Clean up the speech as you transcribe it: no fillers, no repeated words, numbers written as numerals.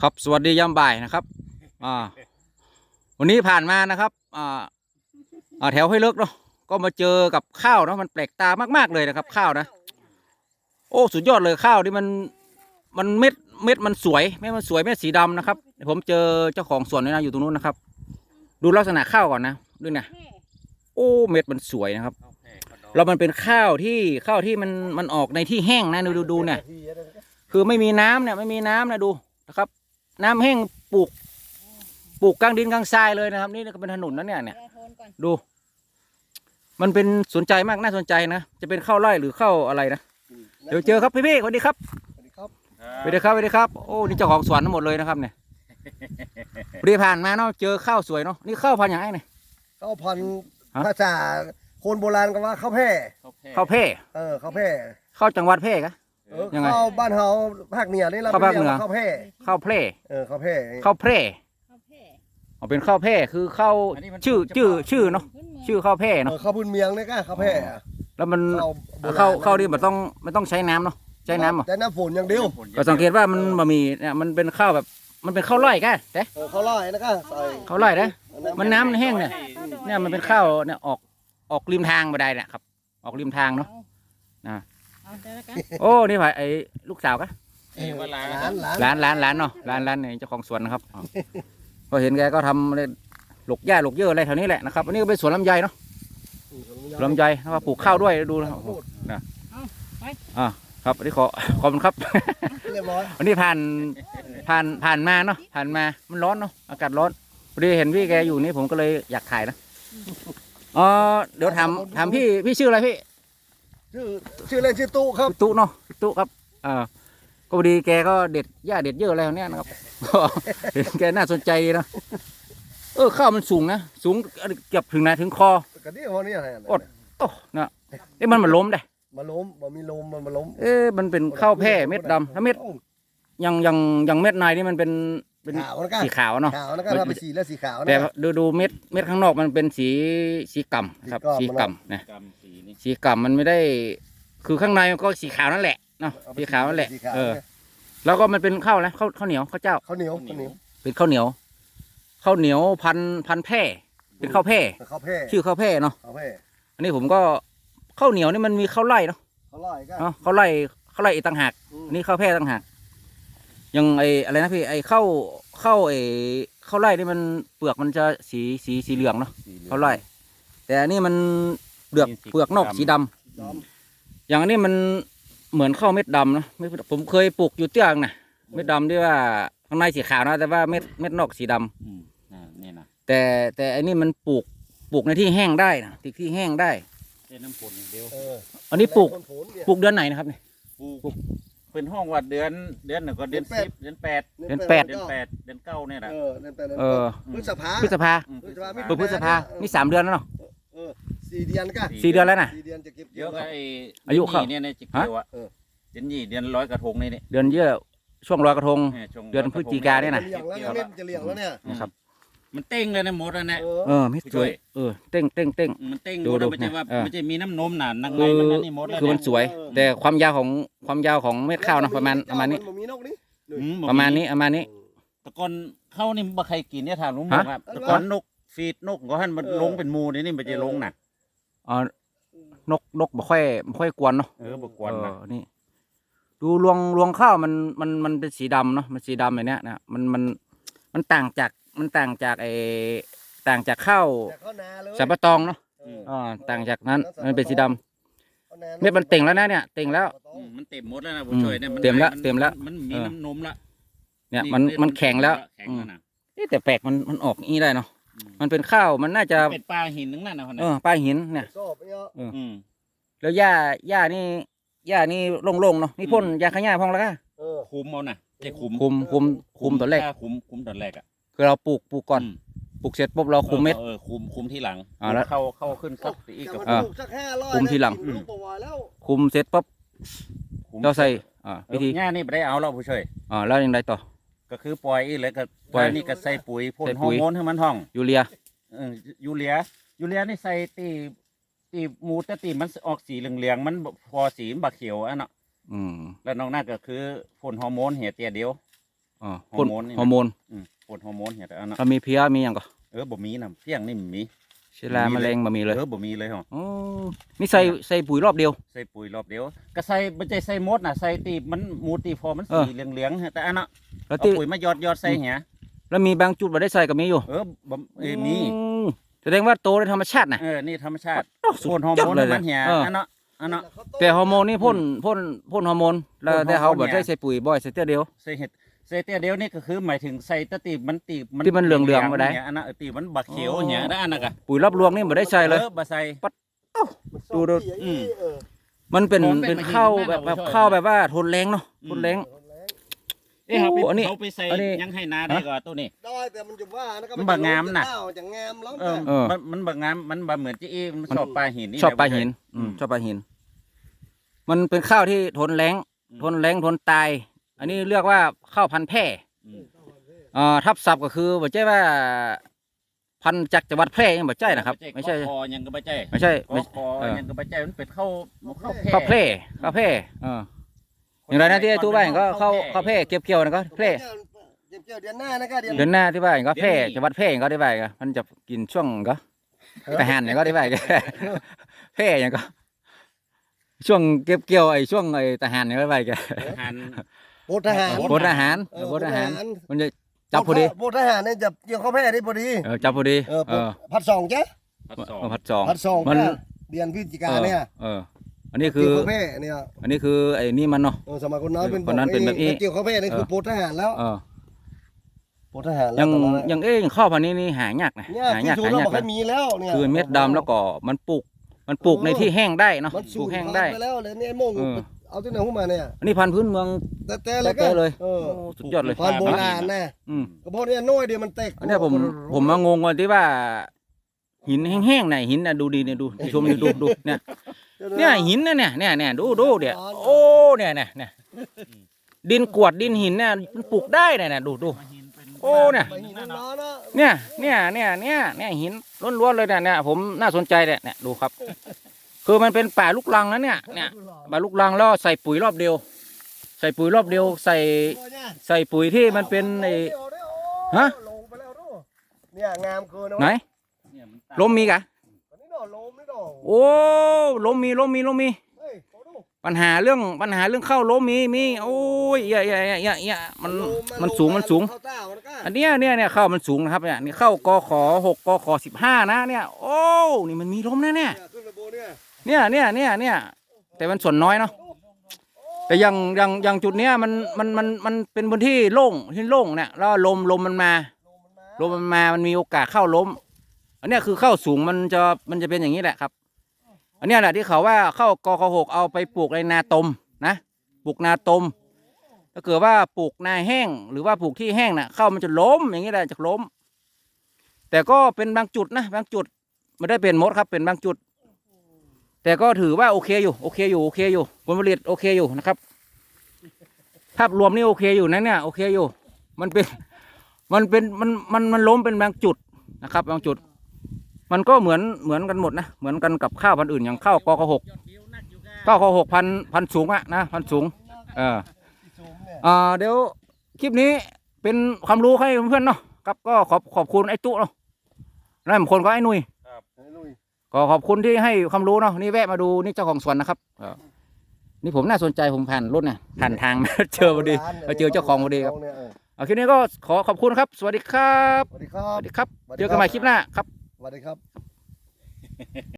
ครับสวัสดียามบ่ายนะครับวันนี้ผ่านมานะครับแถวห้วยเลิกเนาะก็มาเจอกับข้าวเนาะมันแปลกตามากๆเลยนะครับข้าวนะโอ้สุดยอดเลยข้าวที่มันเม็ดมันสวยเม็ดมันสวยเม็ดสีดำนะครับผมเจอเจ้าของสวนนี่นะอยู่ตรงนู้นนะครับดูลักษณะข้าวก่อนนะด้วยนะโอ้เม็ดมันสวยนะครับแล้วมันเป็นข้าวที่มันออกในที่แห้งนะดูเนี่ยคือไม่มีน้ำเนี่ยไม่มีน้ำนะดูนะครับน้ำแห้งปลูกกลางดินกลางทรายเลยนะครับนี่ก็เป็นถนนนะเนี่ยดู มันเป็นสนใจมากน่าสนใจนะจะเป็นข้าวไร่หรือข้าวอะไรนะเดี๋ยวเจอครับพี่สวัสดีครับสวัสดีครับสวัสดีครับโอ้นี่เจ้าของสวนทั้งหมดเลยนะครับเนี่ยพอดีผ่านมาเนาะเจอข้าวสวยเนาะนี่ข้าวพันธุ์อย่างไรเนี่ยข้าวพันธุ์ภาษาคนโบราณก็ว่าข้าวแพร่ข้าวแพร่ข้าวแพร่ข้าวจังหวัดแพร่กะยังไงข้าวบ้านเฮาภาคเหนือนี่เราเรียกว่าข้าวแพร่ข้าวแพร่ข้าวแพร่ข้าวแพร่อ๋อเป็นข้าวแพร่คือข้าวชื่อเนาะชื่อข้าวแพร่เนาะข้าวพื้นเมียงนี่ก็ข้าวแพร่แล้วมันข้าวนี่มันต้องใช้น้ำเนาะใช้น้ำใช้น้ำฝนอย่างเดียวก็สังเกตว่ามันบะหมี่เนี่ยมันเป็นข้าวแบบมันเป็นข้าวไร่กันแต่ข้าวไร่นะครับข้าวไร่นะมันน้ำแห้งเนี่ยมันเป็นข้าวเนี่ยออกริมทางมาได้เนี่ยครับออกริมทางเนาะนะโอ้นี่ไอ้ลูกสาวกะร้านเนาะร้านเนี่ยเจ้าของสวนนะครับพอเห็นแกก็ทำหลกหญ้าหลกเยอะอะไรแถวนี้แหละนะครับอันนี้ก็เป็นสวนลำไยเนาะลำไยนะครับปลูกข้าวด้วยดูนะครับอันนี้ขอบคุณครับวันนี้ผ่านมาเนาะผ่านมามันร้อนเนาะอากาศร้อนพอดีเห็นพี่แกอยู่นี่ผมก็เลยอยากถ่ายนะเดี๋ยวถามพี่ชื่ออะไรพี่ชื่อเล่นชื่อตู้ครับตู้เนาะตู้ครับก็พอดีแกก็เด็ดหญ้าเด็ดเยอะอะไรเนี้ยนะครับเห็นแกน่าสนใจนะข้าวมันสูงนะสูงเกือบถึงคอก็นี่วันนี้อะไรอดโอ้นะมันล้มได้มาล้มมีลมมันล้มมันเป็นข้าวแพร่เม็ดดำถ้าเม็ดยังเม็ดในนี่มันเป็นสีขาวเนาะขาวแล้วก็ทำเป็นสีและสีขาวแต่ดูเม็ดข้างนอกมันเป็นสีก่ำครับสีก่ำนะสีก่ำมันไม่ได้คือข้างในมันก็สีขาวนั่นแหละเนาะสีขาวนั่นแหละแล้วก็มันเป็นข้าวนะข้าวเหนียวข้าวเจ้าข้าวเหนียวเป็นข้าวเหนียวพันแพร่เป็นข้าวแพร่ชื่อข้าวแพร่เนาะอันนี้ผมก็ข้าวเหนียวนี่มันมีข้าวไร่เนาะข้าวไร่อีกต่างหากนี่ข้าวแพร่ต่างหากยังอะไรนะพี่ข้าวไร่นี่มันเปลือกมันจะสีเหลืองเนาะข้าวไร่แต่อันนี้มันเปลือกนอกสีดำอย่างอันนี้มันเหมือนข้าวเม็ดดำนะผมเคยปลูกอยู่เตื้องนะเม็ดดำที่ว่าข้างในสีขาวนะแต่ว่าเม็ดนอกสีดำนี่นะแต่อันนี้มันปลูกในที่แห้งได้นะที่แห้งได้น้ำฝนอย่างเดียวอันนี้ปลูกเดือนไหนนะครับเนี่ยปลูกเป็นห้องว่าเดือนหนึ่งก็เดือน10เดือน8เดือน9เนี่ยแหละพฤษภาพฤษภานี่3 เดือนแล้วเนาะ 4 เดือนก็ 4 เดือนแล้วนะ 4 เดือนจะเก็บเยอะอายุเขาเนี่ยจะเกี่ยวอ่ะเดือนลอยกระทงนี่เดือนเยอะช่วงลอยกระทงเดือนพฤศจิกาเนี่ยนะจะเลี้ยงแล้วเนี่ยนะครับมันเต้งเลยนะหมดแล้วนะไม่สวยเต้งมันเต้งดูไม่ใช่ว่าไม่ใช่มีน้ำนมหนานังในมันนี่หมดแล้วคือมันสวยแต่ความยาวของเม็ดข้าวนะประมาณนี้ประมาณนี้ตะกอนเข้านี่บ่ใครกินเนี่ยถามลุงบอกครับตะกอนนกฟีดนกก็ให้มันลงเป็นมูนี่มันจะลงหนักนกบ่ค่อยกวนเนาะบ่กวนนะนี่ดูรวงข้าวมันเป็นสีดำเนาะมันสีดำแบบเนี้ยนะมันต่างจากข้าวสับปะตองเนาะต่างจากนั้นมันเป็นสีดำเม็ดมันเต่งแล้วนะเนี่ยเต่งแล้วมันเต็มหมดแล้วนะผมช่วยเนี่ยเต็มแล้วมันมีน้ำนมละเนี่ยมันแข็งแล้วแต่แปลกมันออกงี้ได้เนาะมันเป็นข้าวมันน่าจะเป็นปลาหินนึงนั่นนะปลาหินเนี่ยแล้วหญ้านี่โล่งๆเนาะนี่พ่นยาขย้าพองแล้วก็คุมเอานะจะคุมตอนแรกคุมตอนแรกอ่ะคือเราปลูกก่อนปลูกเสร็จปุ๊บเราคุมเม็ดคุมที่หลังแล้วเข้าขึ้นสักอีกกับคุมที่หลังคุมเสร็จปุ๊บเราใส่วิธีง่ายนี่ไม่ได้เอาเราผู้ช่วยแล้วยังไงต่อก็คือปล่อยอีกเลยก็ปล่อยนี่ก็ใส่ปุ๋ยพ่นฮอร์โมนให้มันท่องยูเรียนี่ใส่ตีมูแต่ตีมันออกสีเหลืองมันพอสีบักเขียวอ่ะเนาะแล้วนอกนั้นก็คือพ่นฮอร์โมนเหี่ยเตียเดียวฮอร์โมนฮอร์โมนพ่นฮอร์โมนเหี้ยแต่อันนั้นถ้ามีเพี้ยมีอย่างก็บ่มีน่ะเพียงนี่มีเชื้อราแมลงบ่มีเลยบ่มีเลยเหรออ๋อนี่ใส่ปุ๋ยรอบเดียวใส่ปุ๋ยรอบเดียวก็ใส่บ่ใช่ใส่หมดน่ะใส่ตีมันหมูตีพอมันสีเหลืองๆแต่อันน่ะแล้วเอาที่ปุ๋ยมายอดใส่เหี้ยแล้วมีบางจุดบ่ได้ใส่ก็มีอยู่บ่มีแสดงว่าโตในธรรมชาตินะนี่ธรรมชาติสุดพ่นฮอร์ยโมอดนเลยมันเหี้ยเอออันเนาะอันเนาะแต่ฮอร์โมนนี่พ่นฮอร์โมนแล้วแต่เขาบ่ได้ใส่ปุ๋ยบ่อยใส่เตี้ยเดียวใส่เห็ดใส่เตี้ยเดียวนี่ก็คือหมายถึงใส่ตะตีมันตีที่มันเหลืองๆบ่ได้อันนั้นตีมันบักเขียวเหี้ยได้อันนั้นก็ปุ๋ยรอบรวงนี่บ่ได้ใส่เลยบ่ใส่ดู มันเป็นของเป็นข้าวมาหินแบบมากกว่าข้าวแบบว่าทนแรงเนาะทนแรงเขาไปโอ้อันนี้เขาไปใส่อันนี้ยังให้นาได้ก่อนตัวนี้ได้แต่มันจะว่านะก็มันบักงามน่ะจะงามแล้วมันบักงามมันบ่เหมือนจีอีมันชอบปลาหินนี่ชอบปลาหินอืมชอบปลาหิน มันเป็นข้าวที่ทนแรงอืมทนแรงทนตาย อันนี้เรียกว่าข้าวพันธุ์แพร่อืมทับศัพท์ก็คือบ่ใช่ว่า พันธุ์จากจังหวัดแพร่ยังบ่ใช่นะครับ ไม่ใช่คอยังก็บ่ใช่ไม่ใช่คอคอยังก็บ่ใช่มันเป็นข้าวข้าวแพร่ข้าวแพร่อย่างไรนะที่ไอ้ตู้บ้านก็ข้าวแพร่เก็บเกี่ยวนะก็แพร่เกี่ยวเดือนหน้านะก็เดือนเดือนหน้าที่บ้านก็แพร่จังหวัดแพร่ก็ได้บ้านก็มันจะกินช่วงก็ทหารอย่างก็ได้บ้านก็ แพร่อย่างก็ ช่วงเก็บเกี่ยวไอ้ช่วงไอ้ทหารอย่างก็ได้บ้านก็หันโบทหารบททหารบททหารมันจะจับพอดีโบทหารเนี่ยจะเกี่ยวข้าวแพร่ได้พอดีจับพอดีผัดสองจ้ะผัดสองผัดสองมันเดือนพฤศจิกาเนี่ยอันนี้คือเกี่ยวข้าวแพร่เนี่ยอันนี้คือไอ้นี่มันเนาะสมัยคนน้อยเป็นคนนั้นเป็นแบบนี้เกี่ยวข้าวแพร่นี่คือโบททหารแล้วโบททหารยังตอนนั้นยังข้าวพันธุ์นี้นี่หายากนะเนี่ยหาที่ยากสูหางเรายากบอกให้มีแล้วเนี่ยคือเม็ดดำแล้วก็มันปลูกในที่แห้งได้เนาะมันปสูลูงกแห้งได้ไปแล้วเลยเนี่ยไอ้โม่ง เอาที่ไหนขึ้นมาเนี่ยอันนี้พันธุ์พื้นเมืองแต่เลยก็แต่เลยเออสุดยอดเลยพันธุ์โบราณนะอืมก็เพราะเนี่ยน้อยเดียวมันแตกอันเนี้ยผมมางงวันที่ว่า หินแห้งๆไหนหินน่ะดูดีเนี่ยดูชมดูเนี่ยหินน่ะเนี่ยดูเดี๋ยวโอ้เนี่ยดินกรวดดินหินเนี่ยมันปลูกได้เนี่ยดูโอ้เนี่ยไปหินน้อยๆเนอะเนี่ยหินล้วนๆเลยเนี่ยผมน่าสนใจเนี่ยดูครับ คือมันเป็นป่าลูกรังนะเนี่ยป่าลูกรังแล้วใส่ปุ๋ยรอบเดียว ใส่ปุ๋ยรอบเดียวใส่ปุ๋ยที่มันเป็นไอ้ฮะลงไปแล้วดูเนี่ยงามเกินนะไหนลมมีกะอันนี้ดอกลมนี่ดอกโอ้ลมมีเฮ้ยโอ้ดูปัญหาเรื่องเข้าลมมีโอ้ยอย่ามันสูงเข้าเต้ามันก็อันเนี้ยเข้ามันสูงนะครับเนี่ยนี่เข้ากข6กข15นะเนี่ยโอ้นี่มันมีลมนะเนี่ยขึ้นมาโบเนี่ยเนี่ยแต่มันส่วนน้อยเนาะแต่อย่างจุดเนี้ยมันเป็นพื้นที่โล่งเนี่ยแล้วลมมันมามันมีโอกาสเข้าล้มอันเนี้ยคือเข้าสูงมันจะเป็นอย่างนี้แหละครับ อันเนี้ยแหละที่เขาว่าเข้ากข6เอาไปปลูกในนาตมนะปลูกนาตมถ้าเกิดว่าปลูกนาแห้งหรือว่าปลูกที่แห้งน่ะเข้ามันจะล้มอย่างนี้แหละจะล้ม แต่ก็เป็นบางจุดนะบางจุดไม่ได้เป็นหมดครับเป็นบางจุด แต่ก็ถือว่าโอเคอยู่ผลผลิตโอเคอยู่นะครับภาพรวมนี่โอเคอยู่นะเนี่ยโอเคอยู่มันล้มเป็นบางจุดนะครับบางจุด มันก็เหมือนกันหมดนะเหมือนกันกับข้าวพันธุ์อื่นอย่างข้าวกข6พันสูงอะนะพันสูงเดี๋ยวคลิปนี้เป็นความรู้ให้เพื่อนๆเนาะครับก็ขอบคุณไอ้ตุ๊เนาะนั่นคนก็ไอ้นุ้ย ก็ขอบคุณที่ให้ความรู้เนาะนี่แวะมาดูนี่เจ้าของสวนนะครับนี่ผมน่าสนใจผมผ่านรถเนี่ยผ่านทาง มาเจอพอดีมาเจอเจ้าของพอดีครับคลิปนี้ก็ขอบคุณครับสวัสดีครับสวัสดีครับเจอกันใหม่คลิปหน้าครับสวัสดีครับ